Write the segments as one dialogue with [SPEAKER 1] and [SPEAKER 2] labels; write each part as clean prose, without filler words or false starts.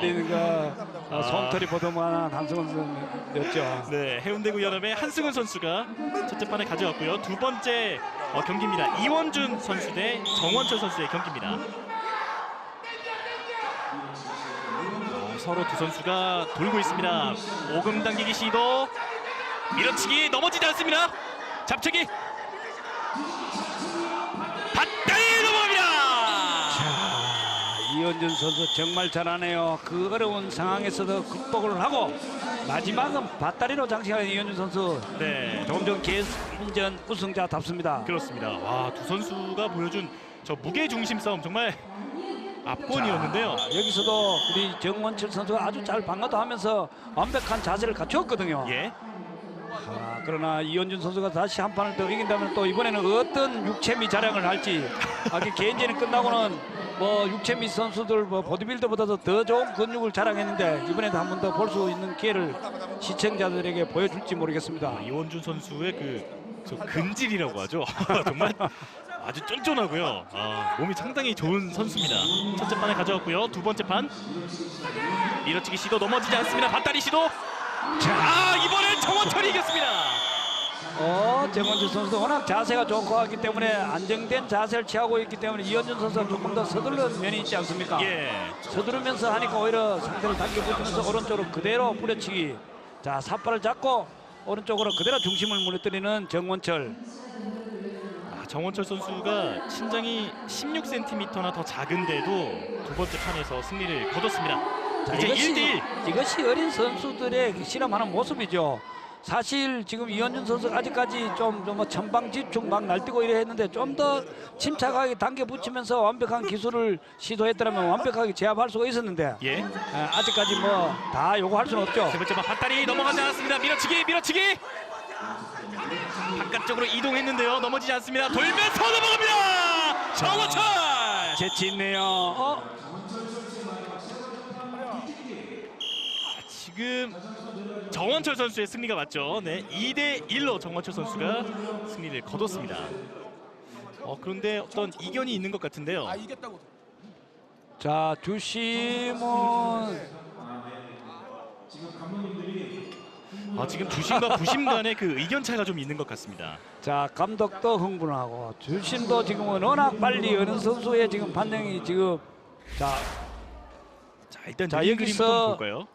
[SPEAKER 1] 기다리는 거 솜털이 보도만 한승훈 선수였죠.
[SPEAKER 2] 네, 해운대구 연합의 한승훈 선수가 첫째 판을 가져갔고요. 두 번째 경기입니다. 이원준 선수 대 정원철 선수의 경기입니다. 서로 두 선수가 돌고 있습니다. 오금 당기기 시도, 밀어치기 넘어지지 않습니다. 잡채기, 밧다리 넘어갑니다.
[SPEAKER 1] 이원준 선수 정말 잘하네요. 그 어려운 상황에서도 극복을 하고 마지막은 밧다리로 장식하는 이원준 선수.
[SPEAKER 2] 네,
[SPEAKER 1] 조금 전 개인전 우승자답습니다.
[SPEAKER 2] 그렇습니다. 와, 두 선수가 보여준 저 무게 중심 싸움 정말 압권이었는데요.
[SPEAKER 1] 여기서도 우리 정원철 선수가 아주 잘 방어도 하면서 완벽한 자세를 갖추었거든요.
[SPEAKER 2] 예.
[SPEAKER 1] 그러나 이원준 선수가 다시 한 판을 더 이긴다면 또 이번에는 어떤 육체미 자랑을 할지. 개인전이 끝나고는 뭐 육체미 선수들 뭐 보디빌더보다도 더 좋은 근육을 자랑했는데 이번에도 한 번 더 볼 수 있는 기회를 시청자들에게 보여줄지 모르겠습니다.
[SPEAKER 2] 이원준 선수의 저 근질이라고 하죠. 정말 아주 쫀쫀하고요. 몸이 상당히 좋은 선수입니다. 첫째 판을 가져왔고요. 두 번째 판 밀어치기 시도 넘어지지 않습니다. 밧다리 시도. 이번엔 정원철이 이겼습니다.
[SPEAKER 1] 정원철 선수도 워낙 자세가 좋고 하기 때문에 안정된 자세를 취하고 있기 때문에 이원준 선수가 조금 더 서두르는 면이 있지 않습니까?
[SPEAKER 2] 예.
[SPEAKER 1] 서두르면서 하니까 오히려 상대를 당겨붙이면서 오른쪽으로 그대로 뿌려치기. 자, 삿발을 잡고 오른쪽으로 그대로 중심을 무너뜨리는 정원철.
[SPEAKER 2] 정원철 선수가 신장이 16cm나 더 작은데도 두 번째 판에서 승리를 거뒀습니다. 자, 이제 1대1.
[SPEAKER 1] 이것이 어린 선수들의 실험하는 모습이죠. 사실 지금 이원준 선수가 아직까지 좀 천방지축 막 날뛰고 이래 했는데 좀 더 침착하게 당겨 붙이면서 완벽한 기술을 시도했더라면 완벽하게 제압할 수가 있었는데
[SPEAKER 2] 예.
[SPEAKER 1] 아직까지 뭐 다 요구할 수는 없죠.
[SPEAKER 2] 세 번째 판 밧다리 넘어가지 않았습니다. 밀어치기. 바깥쪽으로 이동했는데요. 넘어지지 않습니다. 돌면서 넘어갑니다. 정원철.
[SPEAKER 1] 재치 있네요.
[SPEAKER 2] 지금 정원철 선수의 승리가 맞죠. 네, 2대1로 정원철 선수가 승리를 거뒀습니다. 그런데 어떤 이견이 있는 것 같은데요.
[SPEAKER 3] 이겼다고.
[SPEAKER 1] 자, 주심은
[SPEAKER 2] 지금 주심과 부심 간의 그 의견 차이가 좀 있는 것 같습니다.
[SPEAKER 1] 자, 감독도 흥분하고 주심도 지금은 워낙 빨리 어느 선수의 지금 판정이 지금
[SPEAKER 2] 일단
[SPEAKER 1] 자,
[SPEAKER 2] 여기서
[SPEAKER 1] 여기서
[SPEAKER 2] 볼까요?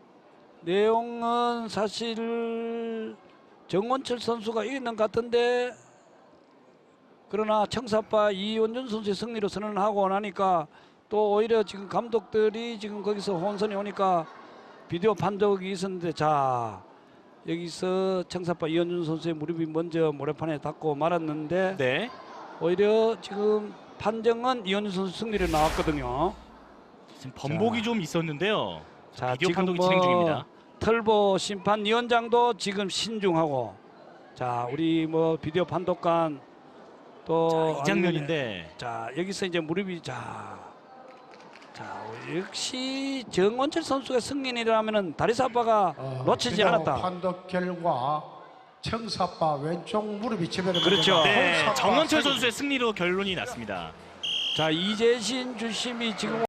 [SPEAKER 1] 내용은 사실 정원철 선수가 이기는 것 같은데 그러나 청사파 이원준 선수의 승리로 선언하고 나니까 또 오히려 지금 감독들이 지금 거기서 혼선이 오니까 비디오 판독이 있었는데 자, 여기서 청사파 이원준 선수의 무릎이 먼저 모래판에 닿고 말았는데
[SPEAKER 2] 네.
[SPEAKER 1] 오히려 지금 판정은 이원준 선수 승리로 나왔거든요.
[SPEAKER 2] 지금 번복이 좀 있었는데요.
[SPEAKER 1] 자,
[SPEAKER 2] 비디오
[SPEAKER 1] 지금
[SPEAKER 2] 판독이 진행 중입니다.
[SPEAKER 1] 털보 심판위원장도 지금 신중하고 자, 우리 비디오 판독관 또
[SPEAKER 2] 이 장면인데
[SPEAKER 1] 자, 여기서 이제 무릎이 역시 정원철 선수가 승리라면은 다리사파가 놓치지
[SPEAKER 3] 비디오
[SPEAKER 1] 않았다.
[SPEAKER 3] 판독 결과 청사파 왼쪽 무릎이 지면에
[SPEAKER 1] 그렇죠.
[SPEAKER 2] 네, 정원철 선수의 승리로 결론이 났습니다.
[SPEAKER 1] 자, 이재신 주심이 지금